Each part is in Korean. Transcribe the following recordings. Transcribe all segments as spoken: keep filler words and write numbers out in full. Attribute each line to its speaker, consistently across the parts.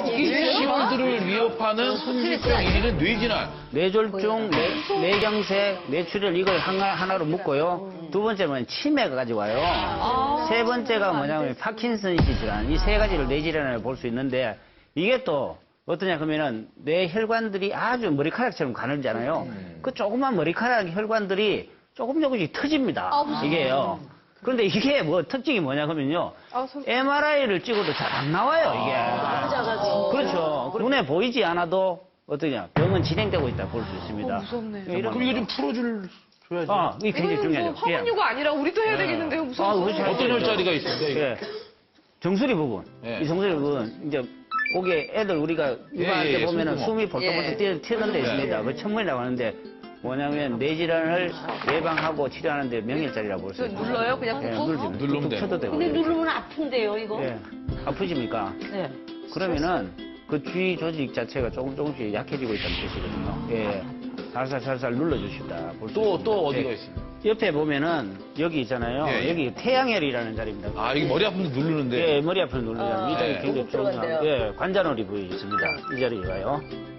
Speaker 1: 신원들을 위협하는 손실병 일 위는 뇌질환.
Speaker 2: 뇌졸중, 뇌, 뇌경색, 뇌출혈 이걸 하나, 하나로 묶고요. 두 번째는 치매가 가져와요. 세 번째가 뭐냐면 파킨슨씨 질환. 이 세 가지를 뇌질환을 볼 수 있는데 이게 또 어떠냐 그러면은 뇌 혈관들이 아주 머리카락처럼 가늘잖아요. 그 조그만 머리카락 혈관들이 조금 조금씩 터집니다. 이게요. 그런데 이게 뭐 특징이 뭐냐 그러면요. 엠알아이를 찍어도 잘 안 나와요, 이게. 그렇죠. 눈에 보이지 않아도 어떠냐 병은 진행되고 있다 볼 수 있습니다.
Speaker 3: 무섭네.
Speaker 1: 그럼 이거 좀 풀어줄 줘야지.
Speaker 2: 아, 이게 굉장히 중요하죠.
Speaker 3: 화분유가 아니라 우리도 해야 되겠는데요, 무서워.
Speaker 2: 아, 그렇죠.
Speaker 1: 어떤 혈자리가 있습니까? 이게?
Speaker 2: 예. 정수리 부분.
Speaker 1: 예.
Speaker 2: 이 정수리 부분, 이제, 거기에 애들 우리가 육아할
Speaker 1: 예, 예,
Speaker 2: 때 보면은
Speaker 1: 숨구멍.
Speaker 2: 숨이 벌떡벌떡 뛰- 튀는 데 있습니다. 그 천문이라고 하는데, 뭐냐면 뇌질환을 예방하고 치료하는 데 명일자리라고 볼 수 있습니다.
Speaker 3: 눌러요? 그냥
Speaker 2: 예,
Speaker 3: 꾹꾹?
Speaker 2: 누르지.
Speaker 1: 누르면
Speaker 2: 툭툭
Speaker 1: 돼요.
Speaker 2: 쳐도 되고.
Speaker 4: 근데 누르면 아픈데요, 이거?
Speaker 2: 예. 아프십니까?
Speaker 4: 네.
Speaker 2: 그러면은 그 주위 조직 자체가 조금 조금씩 약해지고 있다는 뜻이거든요. 예. 살살 살살 눌러주십니다.
Speaker 1: 또, 또 어디가
Speaker 2: 예.
Speaker 1: 있습니까?
Speaker 2: 옆에 보면은 여기 있잖아요.
Speaker 1: 예, 예.
Speaker 2: 여기 태양혈이라는 자리입니다.
Speaker 1: 아, 이게 머리 아픈데 누르는데.
Speaker 2: 예, 머리 앞을 누르잖아요. 이 자리
Speaker 1: 예.
Speaker 2: 굉장히 중요한,
Speaker 4: 들어간대요.
Speaker 2: 예, 관자놀이 부위 있습니다. 이 자리가요.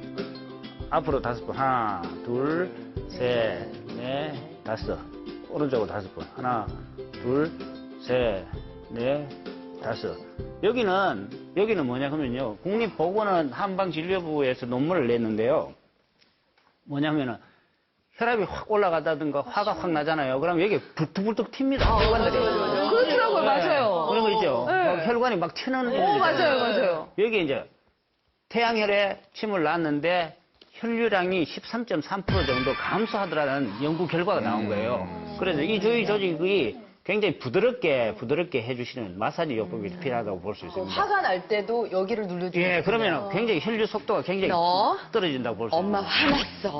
Speaker 2: 앞으로 다섯 번. 하나, 둘, 셋, 넷, 다섯. 오른쪽으로 다섯 번. 하나, 둘, 셋, 넷, 다섯. 여기는, 여기는 뭐냐 하면요. 국립보건원 한방진료부에서 논문을 냈는데요. 뭐냐면은, 혈압이 확 올라가다든가 화가 확 나잖아요. 그럼 여기 불뚝불뚝 튑니다. 혈관들이.
Speaker 3: 그렇더라고요, 맞아요.
Speaker 2: 그런 거 있죠.
Speaker 3: 네.
Speaker 2: 막 혈관이 막 튀는.
Speaker 3: 오, 맞아요, 맞아요.
Speaker 2: 여기 이제 태양혈에 침을 놨는데 혈류량이 십삼 점 삼 퍼센트 정도 감소하더라는 연구 결과가 나온 거예요. 그래서 이 주위 조직이 굉장히 부드럽게 부드럽게 해주시는 마사지 요법이 필요하다고 볼 수 있습니다.
Speaker 5: 화가 날 때도 여기를 눌러주는
Speaker 2: 예, 그러면 굉장히 혈류 속도가 굉장히
Speaker 5: 너?
Speaker 2: 떨어진다고 볼 수 있습니다.
Speaker 5: 엄마 화났어.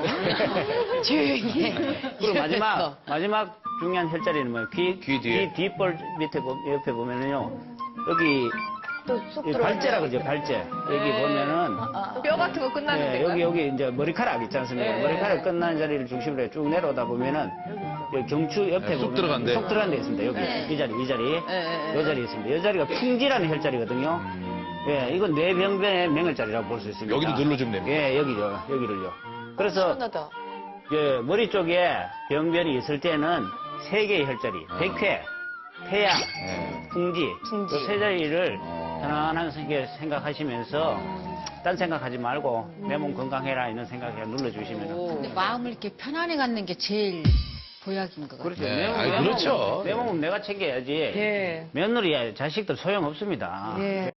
Speaker 5: 조용히 해.
Speaker 2: 그리고 마지막 마지막 중요한 혈자리는 뭐예요? 귀,
Speaker 1: 귀 뒤에.
Speaker 2: 귀 뒷볼 밑에 보- 옆에 보면은요. 여기
Speaker 5: 또쏙
Speaker 2: 이 발제라 그러죠, 발제. 여기 보면은
Speaker 3: 뼈 같은 거 끝나는
Speaker 2: 예,
Speaker 3: 데가.
Speaker 2: 여기 여기 이제 머리카락 있지 않습니까? 머리카락 끝나는 자리를 중심으로 해 쭉 내려오다 보면은 여기 경추 옆에
Speaker 1: 네, 쏙
Speaker 2: 보면
Speaker 1: 들어간대.
Speaker 2: 쏙 들어간 데 있습니다. 여기 이 자리, 이 자리,
Speaker 5: 네,
Speaker 2: 이 자리 있습니다. 이 자리가 풍지라는 혈자리거든요. 예, 이건 뇌병변의 명혈자리라고 볼 수 있습니다.
Speaker 1: 여기도 눌러주면 됩니다.
Speaker 2: 예, 여기요, 여기를요. 그래서
Speaker 5: 시원하다.
Speaker 2: 예, 머리 쪽에 병변이 있을 때는 세 개의 혈자리, 백회, 태양,
Speaker 1: 네.
Speaker 2: 풍지,
Speaker 5: 풍지.
Speaker 2: 그 세 자리를
Speaker 1: 어.
Speaker 2: 편안한 생각- 생각하시면서 딴 생각하지 말고 내 몸 건강해라 이런 생각에 눌러주시면
Speaker 6: 근데 마음을 이렇게 편안히 갖는 게 제일 보약인 것 같아요.
Speaker 2: 그렇죠.
Speaker 1: 네,
Speaker 2: 내, 몸,
Speaker 1: 아이,
Speaker 2: 내 몸은-
Speaker 1: 그렇죠.
Speaker 2: 내 몸은 내가 챙겨야지.
Speaker 3: 예.
Speaker 2: 며느리 자식들 소용없습니다.
Speaker 3: 예.